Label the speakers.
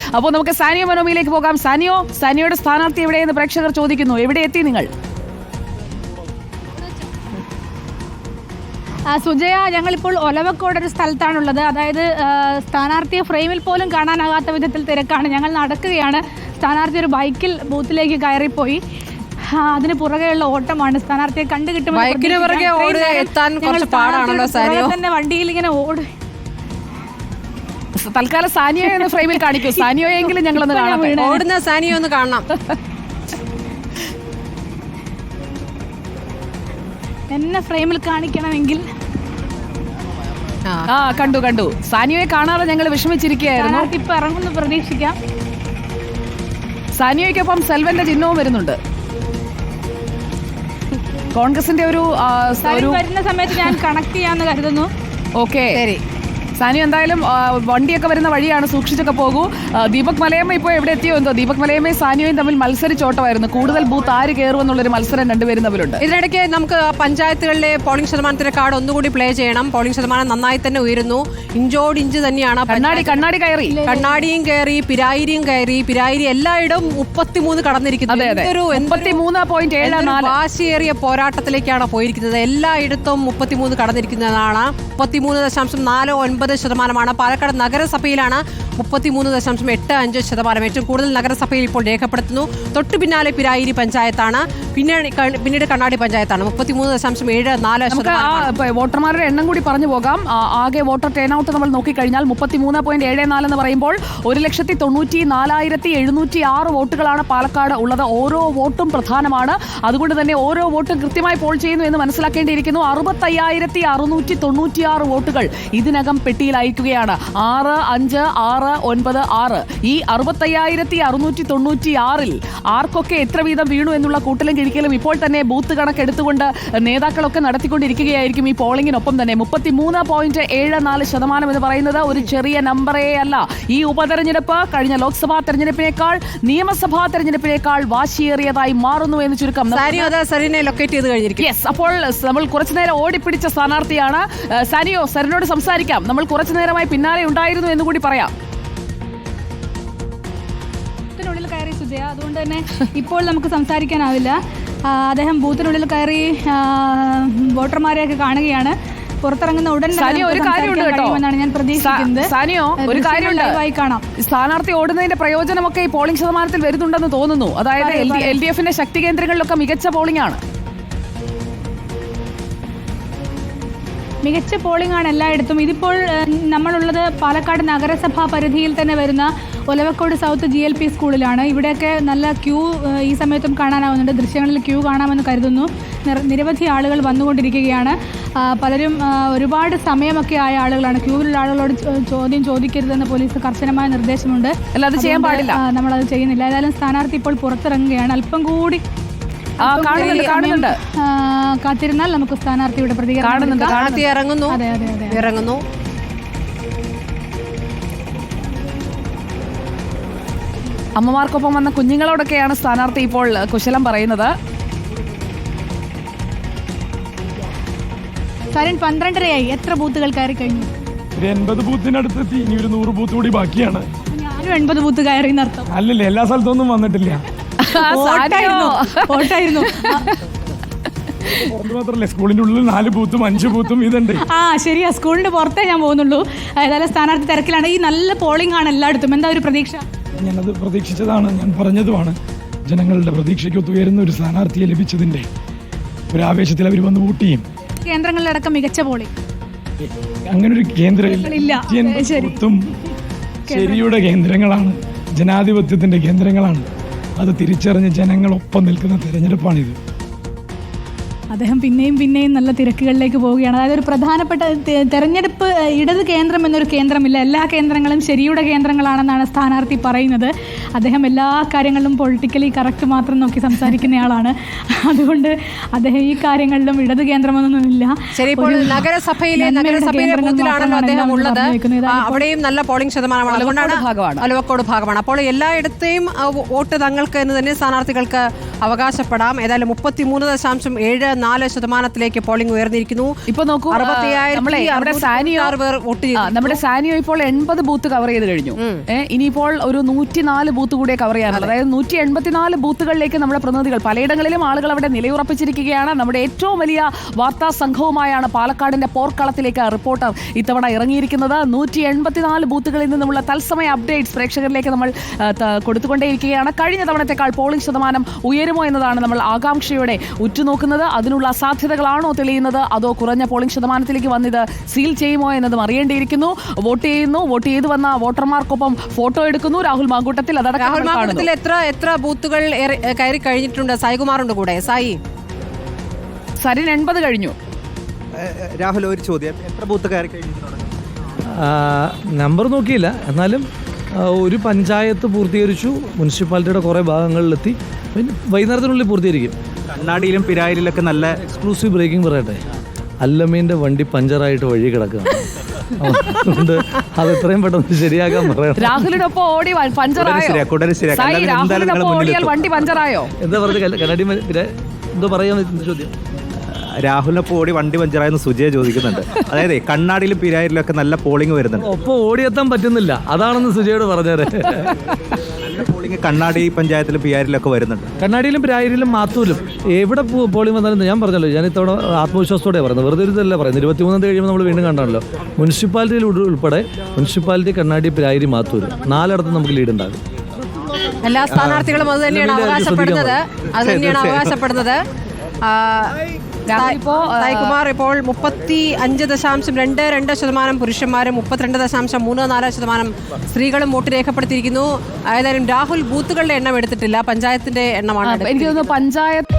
Speaker 1: അപ്പോൾ നമുക്ക് സാനിയോ മനോമിയിലേക്ക് പോകാം. സാനിയോയുടെ സ്ഥാനാർത്ഥി എവിടെയെന്ന് പ്രേക്ഷകർ ചോദിക്കുന്നു. എവിടെ എത്തി നിങ്ങൾ?
Speaker 2: സുജയ, ഞങ്ങളിപ്പോൾ ഒലവക്കോട് ഒരു സ്ഥലത്താണുള്ളത്. അതായത് സ്ഥാനാർത്ഥിയെ ഫ്രെയിമിൽ പോലും കാണാനാകാത്ത വിധത്തിൽ തിരക്കാണ്. ഞങ്ങൾ നടക്കുകയാണ്. സ്ഥാനാർത്ഥി ഒരു ബൈക്കിൽ ബൂത്തിലേക്ക് കയറിപ്പോയി. അതിന് പുറകെയുള്ള ഓട്ടമാണ്. സ്ഥാനാർത്ഥിയെ കണ്ടുകിട്ടുമ്പോൾ തന്നെ വണ്ടിയിൽ ഇങ്ങനെ ഓടി.
Speaker 1: തൽക്കാലം സാനിയോ എന്ന് ഫ്രെയിമിൽ കാണിക്കൂ. സാനിയോയെങ്കിലും ഞങ്ങളൊന്ന് കാണാം.
Speaker 3: ഓടുന്ന സാനിയോ ഒന്ന് കാണണം.
Speaker 2: എന്നെ ഫ്രെയിമിൽ കാണിക്കണമെങ്കിൽ
Speaker 1: കണ്ടു. സാനിയോയെ കാണാതെ ഞങ്ങൾ വിഷമിച്ചിരിക്കുകയായിരുന്നു.
Speaker 2: ഇപ്പൊ ഇറങ്ങുന്നു, പ്രതീക്ഷിക്കാം.
Speaker 1: സാനിയോയ്ക്കൊപ്പം സെൽവന്റെ ചിഹ്നവും വരുന്നുണ്ട്. കോൺഗ്രസിന്റെ ഒരു
Speaker 2: വരുന്ന സമയത്ത് ഞാൻ കണക്ട് ചെയ്യാന്ന് കരുതുന്നു.
Speaker 1: ഓക്കെ, സാനിയോ എന്തായാലും വണ്ടിയൊക്കെ വരുന്ന വഴിയാണ്, സൂക്ഷിച്ചൊക്കെ പോകൂ. ദീപക് മലയമ്മ ഇപ്പോൾ എവിടെ എത്തിയോ എന്തോ. ദീപക് മലയമ്മയും സാനിയോയും തമ്മിൽ മത്സരിച്ചോട്ടമായിരുന്നു. കൂടുതൽ ബൂത്ത് ആര് കയറുമെന്നുള്ളൊരു മത്സരം രണ്ടുപേരും തമ്മിലും.
Speaker 3: ഇതിനിടയ്ക്ക് നമുക്ക് പഞ്ചായത്തുകളിലെ പോളിംഗ് ശതമാനത്തിന്റെ കാർഡ് ഒന്നുകൂടി പ്ലേ ചെയ്യണം. പോളിംഗ് ശതമാനം നന്നായി തന്നെ ഉയരുന്നു. ഇഞ്ചോടിഞ്ച് തന്നെയാണ്.
Speaker 1: കണ്ണാടി കയറി,
Speaker 3: കണ്ണാടിയും കയറി, പിരായിരിയും കയറി. പിരായിരി എല്ലായിടവും 33 കടന്നിരിക്കുന്നത്. വാശിയേറിയ പോരാട്ടത്തിലേക്കാണ് പോയിരിക്കുന്നത്. എല്ലായിടത്തും 33 കടന്നിരിക്കുന്നതാണ്. 33.49% പാലക്കാട് നഗരസഭയിലാണ് 33.85%. ഏറ്റവും കൂടുതൽ നഗരസഭയിൽ ഇപ്പോൾ രേഖപ്പെടുത്തുന്നു. തൊട്ടു പിന്നാലെ പിരായിരി പഞ്ചായത്താണ്, പിന്നീട് കണ്ണാടി പഞ്ചായത്താണ്. 33.74%.
Speaker 1: വോട്ടർമാരുടെ എണ്ണം കൂടി പറഞ്ഞു പോകാം. ആകെ വോട്ടർ ടേൺ ഔട്ട് നമ്മൾ നോക്കിക്കഴിഞ്ഞാൽ 33.74 എന്ന് പറയുമ്പോൾ 1,94,706 വോട്ടുകളാണ് പാലക്കാട് ഉള്ളത്. ഓരോ വോട്ടും പ്രധാനമാണ്. അതുകൊണ്ട് തന്നെ ഓരോ വോട്ടും കൃത്യമായി പോൾ ചെയ്യുന്നു എന്ന് മനസ്സിലാക്കേണ്ടിയിരിക്കുന്നു. 65,696 വോട്ടുകൾ ഇതിനകം പെട്ടിയിൽ അയക്കുകയാണ്. 6, 5, 6, 9, 6. ഈ 65,696 ആർക്കൊക്കെ എത്ര വീതം വീണു എന്നുള്ള കൂട്ടലും കിഴിക്കലും ഇപ്പോൾ തന്നെ ബൂത്ത് കണക്കെടുത്തുകൊണ്ട് നേതാക്കളൊക്കെ നടത്തിക്കൊണ്ടിരിക്കുകയായിരിക്കും ഈ പോളിംഗിനൊപ്പം തന്നെ. 33.74% എന്ന് പറയുന്നത് ഒരു ചെറിയ നമ്പറേ അല്ല. ഈ ഉപതെരഞ്ഞെടുപ്പ് കഴിഞ്ഞ ലോക്സഭാ തെരഞ്ഞെടുപ്പിനേക്കാൾ നിയമസഭാ തെരഞ്ഞെടുപ്പിനേക്കാൾ വാശിയേറിയതായി മാറുന്നു എന്ന് ചുരുക്കം.
Speaker 3: ലൊക്കേറ്റ് ചെയ്ത് കഴിഞ്ഞിരിക്കും.
Speaker 1: യെസ്, അപ്പോൾ നമ്മൾ കുറച്ചു നേരം ഓടിപ്പിടിച്ച സ്ഥാനാർത്ഥിയാണ് സാനിയോ. സരിനോട് സംസാരിക്കാം. നമ്മൾ കുറച്ചു നേരമായി പിന്നാലെ ഉണ്ടായിരുന്നു എന്ന് കൂടി പറയാം.
Speaker 2: ബൂത്തിനുള്ളിൽ കയറി സുജയ, അതുകൊണ്ട് തന്നെ ഇപ്പോൾ നമുക്ക് സംസാരിക്കാനാവില്ല. അദ്ദേഹം ബൂത്തിനുള്ളിൽ കയറി വോട്ടർമാരെയൊക്കെ കാണുകയാണ്. പുറത്തിറങ്ങുന്ന ഉടൻ
Speaker 1: ഒരു കാര്യമുണ്ട് കേട്ടോ,
Speaker 2: ഞാൻ പ്രതീക്ഷിക്കുന്നത്.
Speaker 1: സാനിയോ, ഒരു കാര്യമുണ്ട്.
Speaker 2: കാണാം,
Speaker 1: സ്ഥാനാർത്ഥി ഓടുന്നതിന്റെ പ്രയോജനമൊക്കെ ഈ പോളിംഗ് ശതമാനത്തിൽ വരുന്നുണ്ടെന്ന് തോന്നുന്നു. അതായത് LDFന്റെ ശക്തി കേന്ദ്രങ്ങളിലൊക്കെ മികച്ച പോളിംഗ് ആണ്.
Speaker 2: മികച്ച പോളിംഗ് ആണ് എല്ലായിടത്തും. ഇതിപ്പോൾ നമ്മളുള്ളത് പാലക്കാട് നഗരസഭാ പരിധിയിൽ തന്നെ വരുന്ന ഒലവക്കോട് സൗത്ത് GLP സ്കൂളിലാണ്. ഇവിടെയൊക്കെ നല്ല ക്യൂ ഈ സമയത്തും കാണാനാവുന്നുണ്ട്. ദൃശ്യങ്ങളിൽ ക്യൂ കാണാമെന്ന് കരുതുന്നു. നിരവധി ആളുകൾ വന്നുകൊണ്ടിരിക്കുകയാണ്. പലരും ഒരുപാട് സമയമൊക്കെ ആയ ആളുകളാണ്. ക്യൂവിലുള്ള ആളുകളോട് ചോദ്യം ചോദിക്കരുതെന്ന് പോലീസ് കർശനമായ നിർദ്ദേശമുണ്ട്.
Speaker 1: അത് ചെയ്യാൻ പാടില്ല.
Speaker 2: നമ്മളത് ചെയ്യുന്നില്ല. ഏതായാലും സ്ഥാനാർത്ഥി ഇപ്പോൾ പുറത്തിറങ്ങുകയാണ്. അല്പം കൂടി കാത്തിരുന്നാൽ നമുക്ക് സ്ഥാനാർത്ഥിയുടെ പ്രതികരണം
Speaker 3: ഇറങ്ങുന്നു.
Speaker 1: അമ്മമാർക്കൊപ്പം വന്ന കുഞ്ഞുങ്ങളോടൊക്കെയാണ് സ്ഥാനാർത്ഥി ഇപ്പോൾ കുശലം പറയുന്നത്.
Speaker 2: 12:30 എത്ര ബൂത്തുകൾ കയറി കഴിഞ്ഞു?
Speaker 4: 80 ബൂത്തിനടുത്തെത്തി. ഇനി ഒരു 100 ബൂത്ത് കൂടി ബാക്കിയാണ്.
Speaker 2: ഞാനും 80 ബൂത്ത് കയറി എന്നർത്ഥം.
Speaker 4: അല്ലല്ലേ, എല്ലാ സ്ഥലത്തൊന്നും വന്നിട്ടില്ല.
Speaker 2: ഓട്ടായിരുന്നു.
Speaker 4: മാത്രല്ലേ, സ്കൂളിന്റെ ഉള്ളിൽ 4 ബൂത്തും 5 ബൂത്തും ഇതുണ്ട്.
Speaker 2: ശരിയാ, സ്കൂളിന്റെ പുറത്തേ ഞാൻ പോകുന്നുള്ളൂ. ഏതായാലും സ്ഥാനാർത്ഥി തിരക്കിലാണ്. ഈ നല്ല പോളിംഗ് ആണ് എല്ലായിടത്തും. എന്താ ഒരു പ്രതീക്ഷ?
Speaker 4: ഞാനത് പ്രതീക്ഷിച്ചതാണ്, ഞാൻ പറഞ്ഞതുമാണ്. ജനങ്ങളുടെ പ്രതീക്ഷയ്ക്ക് ഉയരുന്ന ഒരു സ്ഥാനാർത്ഥിയെ ലഭിച്ചതിന്റെ ഒരു ആവേശത്തിൽ അവർ വന്ന് വോട്ട് ചെയ്യും.
Speaker 2: കേന്ദ്രങ്ങളിലടക്കം മികച്ച പോളിംഗ്.
Speaker 4: അങ്ങനെ ഒരു കേന്ദ്രമില്ല. ശരിയുടെ കേന്ദ്രങ്ങളാണ്, ജനാധിപത്യത്തിന്റെ കേന്ദ്രങ്ങളാണ്. അത് തിരിച്ചറിഞ്ഞ് ജനങ്ങളൊപ്പം നിൽക്കുന്ന തെരഞ്ഞെടുപ്പാണിത്.
Speaker 2: അദ്ദേഹം പിന്നെയും നല്ല തിരക്കുകളിലേക്ക് പോവുകയാണ്. അതായത് ഒരു പ്രധാനപ്പെട്ട തെരഞ്ഞെടുപ്പ് ഇടത് കേന്ദ്രം എന്നൊരു കേന്ദ്രമില്ല. എല്ലാ കേന്ദ്രങ്ങളും ശരിയുടെ കേന്ദ്രങ്ങളാണെന്നാണ് സ്ഥാനാർത്ഥി പറയുന്നത്. അദ്ദേഹം എല്ലാ കാര്യങ്ങളിലും പൊളിറ്റിക്കലി കറക്റ്റ് മാത്രം നോക്കി സംസാരിക്കുന്നയാളാണ്. അതുകൊണ്ട് അദ്ദേഹം ഈ കാര്യങ്ങളിലും ഇടത് കേന്ദ്രമൊന്നുമില്ല.
Speaker 3: ശരി, ഇപ്പോൾ നഗരസഭയിലെ ബൂത്തിലാണല്ലോ അദ്ദേഹം ഉള്ളത്. അവിടെയും നല്ല പോളിംഗ് ശതമാനമാണ്. അതുകൊണ്ടാണ് ഒലവക്കോട് ഭാഗമാണ്. അപ്പോൾ എല്ലായിടത്തെയും വോട്ട് തങ്ങൾക്ക് എന്ന് തന്നെ സ്ഥാനാർത്ഥികൾക്ക് അവകാശപ്പെടാം. ഏതായാലും 33.74% പോളിംഗ് ഉയർന്നിരിക്കുന്നു.
Speaker 1: ഇപ്പൊ നോക്കൂ, നമ്മുടെ സാനിയോ ഇപ്പോൾ 80 ബൂത്ത് കവർ ചെയ്ത് കഴിഞ്ഞു. ഇനിയിപ്പോൾ ഒരു 104 ബൂത്ത് കൂടെ കവർ ചെയ്യാനുള്ളത്. അതായത് 184 ബൂത്തുകളിലേക്ക് നമ്മുടെ പ്രതിനിധികൾ പലയിടങ്ങളിലും ആളുകൾ അവിടെ നിലയുറപ്പിച്ചിരിക്കുകയാണ്. നമ്മുടെ ഏറ്റവും വലിയ വാർത്താ സംഘവുമായാണ് പാലക്കാടിന്റെ പോർക്കളത്തിലേക്ക് റിപ്പോർട്ടർ ഇത്തവണ ഇറങ്ങിയിരിക്കുന്നത്. 184 ബൂത്തുകളിൽ നിന്നുമുള്ള തത്സമയ അപ്ഡേറ്റ്സ് പ്രേക്ഷകരിലേക്ക് നമ്മൾ കൊടുത്തുകൊണ്ടേയിരിക്കുകയാണ്. കഴിഞ്ഞ തവണത്തെക്കാൾ പോളിംഗ് ശതമാനം ഉയരുമോ എന്നതാണ് നമ്മൾ ആകാംക്ഷയോടെ ഉറ്റുനോക്കുന്നത്. അതിനുള്ള സാധ്യതകളാണോ തെളിയുന്നത്, അതോ കുറഞ്ഞ പോളിംഗ് ശതമാനത്തിലേക്ക് വന്നിത് സീൽ ചെയ്യുമോ എന്നതും അറിയേണ്ടിയിരിക്കുന്നു. വോട്ട് ചെയ്യുന്നു, വോട്ട് ചെയ്തു വന്ന വോട്ടർമാർക്കൊപ്പം ഫോട്ടോ എടുക്കുന്നു. രാഹുൽ മാങ്കൂട്ടത്തിൽ
Speaker 3: എത്ര ബൂത്തുകൾ കയറി കഴിഞ്ഞിട്ടുണ്ട്? സായികുമാറുണ്ട് കൂടെ. സായി,
Speaker 1: സരിൻ 80 കഴിഞ്ഞു.
Speaker 5: രാഹുൽ, ഒരു ചോദ്യം, എത്ര ബൂത്ത് കയറി കഴിഞ്ഞിട്ടുണ്ട്?
Speaker 6: നമ്പർ നോക്കിയില്ല, എന്നാലും ഒരു പഞ്ചായത്ത് പൂർത്തീകരിച്ചു. മുനിസിപ്പാലിറ്റിയുടെ കുറേ ഭാഗങ്ങളിലെത്തി. പിന്നെ വൈകുന്നേരത്തിനുള്ളിൽ പൂർത്തീകരിക്കും.
Speaker 5: കണ്ണാടിയിലും പിരായിലൊക്കെ നല്ല
Speaker 6: എക്സ്ക്ലൂസീവ് ബ്രേക്കിംഗ് പറയട്ടെ. അല്ലമീൻ്റെ വണ്ടി പഞ്ചറായിട്ട് വഴി കിടക്കുകയാണ്. അതുകൊണ്ട് അത് എത്രയും പെട്ടെന്ന് ശരിയാക്കാൻ പറയാം.
Speaker 1: രാഹുലിനൊപ്പം ഓടി വണ്ടി പഞ്ചറായോ?
Speaker 6: എന്താ പറഞ്ഞത്? കണ്ണാടി എന്തോ പറയാമെന്ന് ചോദ്യം.
Speaker 5: രാഹുലിനൊപ്പം ഓടി വണ്ടി പഞ്ചറായെന്ന് സുജയ ചോദിക്കുന്നുണ്ട്. അതായത് കണ്ണാടിയിലും പിരായിലും ഒക്കെ നല്ല പോളിംഗ് വരുന്നുണ്ട്.
Speaker 6: ഒപ്പം ഓടിയെത്താൻ പറ്റുന്നില്ല, അതാണെന്ന് സുജയോട് പറഞ്ഞേരെ.
Speaker 5: നല്ല പോളിംഗ് കണ്ണാടി പഞ്ചായത്തിലും പിരായിലൊക്കെ വരുന്നുണ്ട്.
Speaker 6: കണ്ണാടിയിലും പിരായിലും മാത്തൂലും എവിടെ പോളിംഗ് വന്നാലും ഞാൻ പറഞ്ഞല്ലോ, ഞാൻ ഇത്തവണ ആത്മവിശ്വാസത്തോടെ പറയുന്നത്, വെറുതെ ഇരുന്നല്ല പറയുന്നത്. 23 കഴിയുമ്പോൾ നമ്മൾ വീണ്ടും കണ്ടാണല്ലോ. മുനിസിപ്പാലിറ്റിയിൽ ഉൾപ്പെടെ മുനിസിപ്പാലിറ്റി, കണ്ണാടി, പിരായിരി, മാത്തൂർ 4 നമുക്ക് ലീഡ് ഉണ്ടാകും.
Speaker 3: എല്ലാ സ്ഥാനാർത്ഥികളും അത് തന്നെയാണ് അവകാശപ്പെടുന്നത്. സായികുമാർ ഇപ്പോൾ 35.22% പുരുഷന്മാരും 32.34% സ്ത്രീകളും വോട്ട് രേഖപ്പെടുത്തിയിരിക്കുന്നു. ഏതായാലും രാഹുൽ ബൂത്തുകളുടെ എണ്ണം എടുത്തിട്ടില്ല, പഞ്ചായത്തിന്റെ എണ്ണമാണ്.
Speaker 1: എനിക്ക് തോന്നുന്നു പഞ്ചായത്ത്